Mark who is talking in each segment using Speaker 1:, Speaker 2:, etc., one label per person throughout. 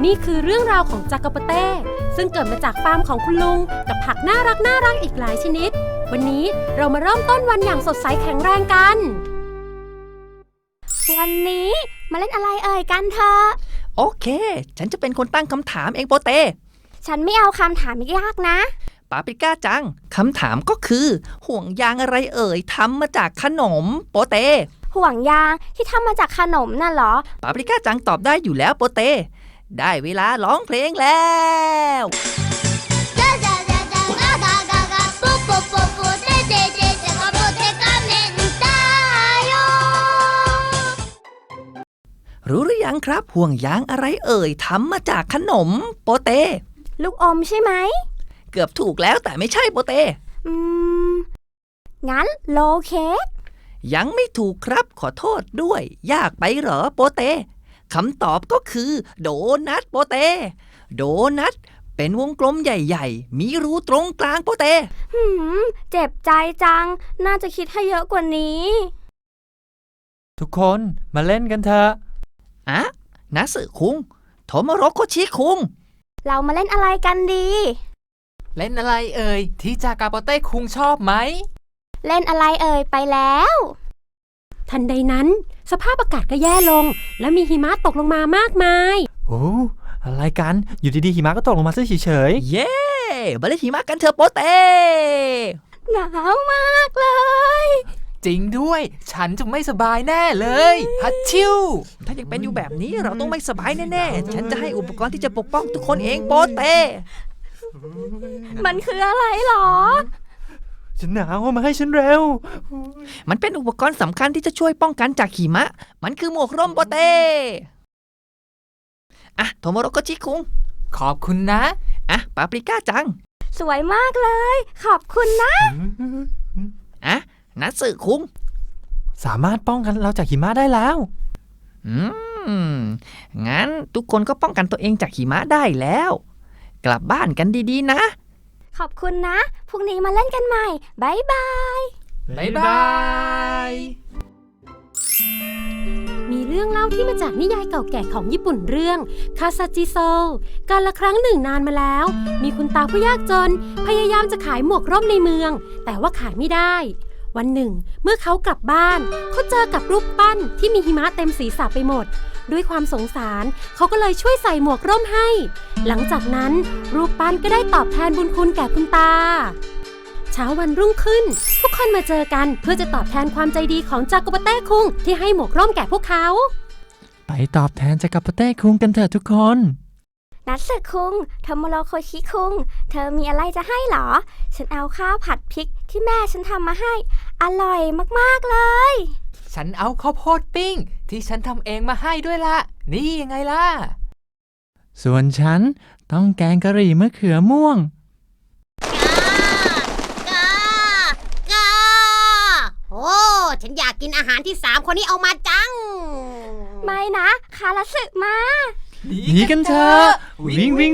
Speaker 1: นี่คือเรื่องราวของจากาโปเต้ซึ่งเกิดมาจากฟาร์มของคุณลุงกับผักน่ารักอีกหลายชนิดวันนี้เรามาเริ่มต้นวันอย่างสดใสแข็งแรงกัน
Speaker 2: วันนี้มาเล่นอะไรกันเถอะ
Speaker 3: โอเคฉันจะเป็นคนตั้งคำถามเองโปเต้
Speaker 2: ฉันไม่เอาคำถามยากนะ
Speaker 3: ปาปริก้าจังคำถามก็คือห่วงยางอะไรทำมาจากขนมโปเต้
Speaker 2: ห่วงยางที่ทำมาจากขนมน่ะเหรอ
Speaker 3: ปาปริก้าจังตอบได้อยู่แล้วโปเต้ได้เวลาร้องเพลงแล้วรู้หรือยังครับห่วงยางอะไรทำมาจากขนมโปเต้
Speaker 2: ลูกอมใช่ไหม
Speaker 3: เกือบถูกแล้วแต่ไม่ใช่โปเต้
Speaker 2: งั้นโลเค้ก
Speaker 3: ยังไม่ถูกครับขอโทษด้วยยากไปเหรอโปเต้คำตอบก็คือโดนัทโปเต้โดนัทเป็นวงกลมใหญ่ๆมีรูตรงกลางโปเต้
Speaker 2: เจ็บใจจังน่าจะคิดให้เยอะกว่านี้
Speaker 4: ทุกคนมาเล่นกันเถอะ
Speaker 3: นัสึคุงโทโมโรโคชิคุง
Speaker 2: เรามาเล่นอะไรกันดี
Speaker 4: เล่นอะไรที่จากาโปเต้คุงชอบไหม
Speaker 2: เล่นอะไรไปแล้ว
Speaker 1: ทันใดนั้นสภาพอากาศก็แย่ลงและมีหิมะตกลงมามากมาย
Speaker 4: โอ้อะไรกันอยู่ดีๆหิมะก็ตกลงมาซะเฉย
Speaker 3: ๆเย้มาเล่นหิมะกันเถอะโปเต้
Speaker 2: หนาวมากเลย
Speaker 4: จริงด้วยฉันจะไม่สบายแน่เลยฮัตชิว
Speaker 3: ถ้ายังเป็นอยู่แบบนี้เราต้องไม่สบายแน่ๆฉันจะให้อุปกรณ์ที่จะปกป้องทุกคนเองโปเต้
Speaker 2: มันคืออะไรหรอ
Speaker 4: ฉันหนาวมาให้ฉันเร็ว
Speaker 3: มันเป็นอุปกรณ์สำคัญที่จะช่วยป้องกันจากหิมะมันคือหมวกร่มโปเต้โทโมโรโกชิคุง
Speaker 4: ขอบคุณนะ
Speaker 3: ปาปริก้าจัง
Speaker 2: สวยมากเลยขอบคุณนะ
Speaker 3: นัตสึคุง
Speaker 4: สามารถป้องกันเราจากหิมะได้แล้ว
Speaker 3: งั้นทุกคนก็ป้องกันตัวเองจากหิมะได้แล้วกลับบ้านกันดีๆนะ
Speaker 2: ขอบคุณนะพรุ่งนี้มาเล่นกันใหม่บ๊ายบาย
Speaker 4: บ๊ายบาย
Speaker 1: มีเรื่องเล่าที่มาจากนิยายเก่าแก่ของญี่ปุ่นเรื่องคาซาจิโซกาลครั้งหนึ่งนานมาแล้วมีคุณตาผู้ยากจนพยายามจะขายหมวกร่มในเมืองแต่ว่าขายไม่ได้วันหนึ่งเมื่อเขากลับบ้านเขาเจอกับรูปปั้นที่มีหิมะเต็มศีรษะไปหมดด้วยความสงสารเขาก็เลยช่วยใส่หมวกร่มให้หลังจากนั้นรูปปั้นก็ได้ตอบแทนบุญคุณแก่คุณตาเช้าวันรุ่งขึ้นทุกคนมาเจอกันเพื่อจะตอบแทนความใจดีของจากาโปเต้คุงที่ให้หมวกร่มแก่พวกเขา
Speaker 4: ไปตอบแทนจากาโปเต้คุงกันเถอะทุกคน
Speaker 2: นัตสึคุงโทโมโรโคชิคุงเธอมีอะไรจะให้หรอฉันเอาข้าวผัดพริกที่แม่ฉันทำมาให้อร่อยมากๆเลย
Speaker 4: ฉันเอาข้าวโพดปิ้งที่ฉันทำเองมาให้ด้วยล่ะนี่ยังไงล่ะส่วนฉันต้องแกงกะหรี่มะเขือม่วง
Speaker 5: โอ้ฉันอยากกินอาหารที่3คนนี้เอามาจัง
Speaker 2: ไม่นะคาราสึมา
Speaker 4: หนีกันเถอะวิ่ง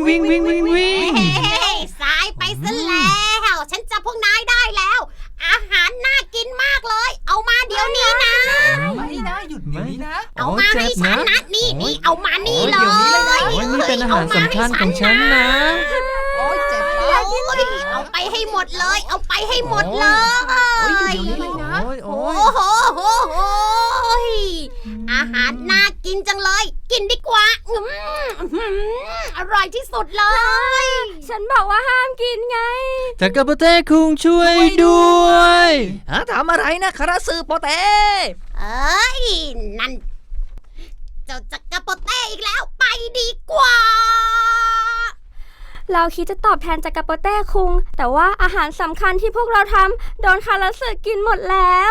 Speaker 5: สายไปซะแล้วฉันจับพวกนายได้แล้วอาหารน่ากินมากเลยเอามาเดี๋ยวนี้นะ
Speaker 4: ไม่นะหยุดนี้นะ
Speaker 5: เอามาให้ฉันนะนี่เอามานี่เลย
Speaker 4: นี่เป็นอาหารสำคัญของฉันนะ
Speaker 5: โอ้ยเจ็บแล้วเอาไปให้หมดเลยเอาไปให้หมดเลยโอ้โหอาหารน่ากินจังเลยกินดีกว่าอร่อยที่สุดเลย
Speaker 2: ฉันบอกว่าห้ามกินไง
Speaker 4: จากาโปเต้คุงช่วยด้วย
Speaker 3: ทำอะไรนะคาราสึโปเต้
Speaker 5: นั่นเจ้าจากาโปเต้อีกแล้วไปดีกว่า
Speaker 2: เราคิดจะตอบแทนจากาโปเต้คุงแต่ว่าอาหารสำคัญที่พวกเราทำโดนคาราสึกินหมดแล้ว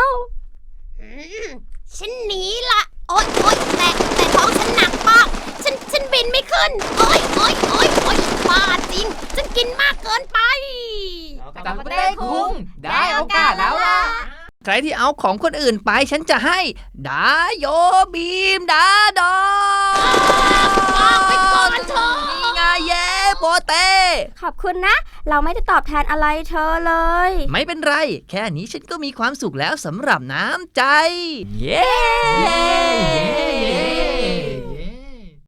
Speaker 5: ฉันหนีละโอ๊ยแต่ท้องฉันหนักมากฉันบินไม่ขึ้นโอ๊ยบ้าจริงฉันกินมากเกินไป
Speaker 4: จากาโปเต้คุงได้โอกาสแล้วล่ะ
Speaker 3: ใครที่เอาของคนอื่นไปฉันจะให้ดาโยบีมดาดอ
Speaker 5: ไปก่อนเถอะ
Speaker 3: นี่ไงเย่โปเต้
Speaker 2: ขอบคุณนะเราไม่ได้ตอบแทนอะไรเธอเลย
Speaker 3: ไม่เป็นไรแค่นี้ฉันก็มีความสุขแล้วสำหรับน้ำใจเย้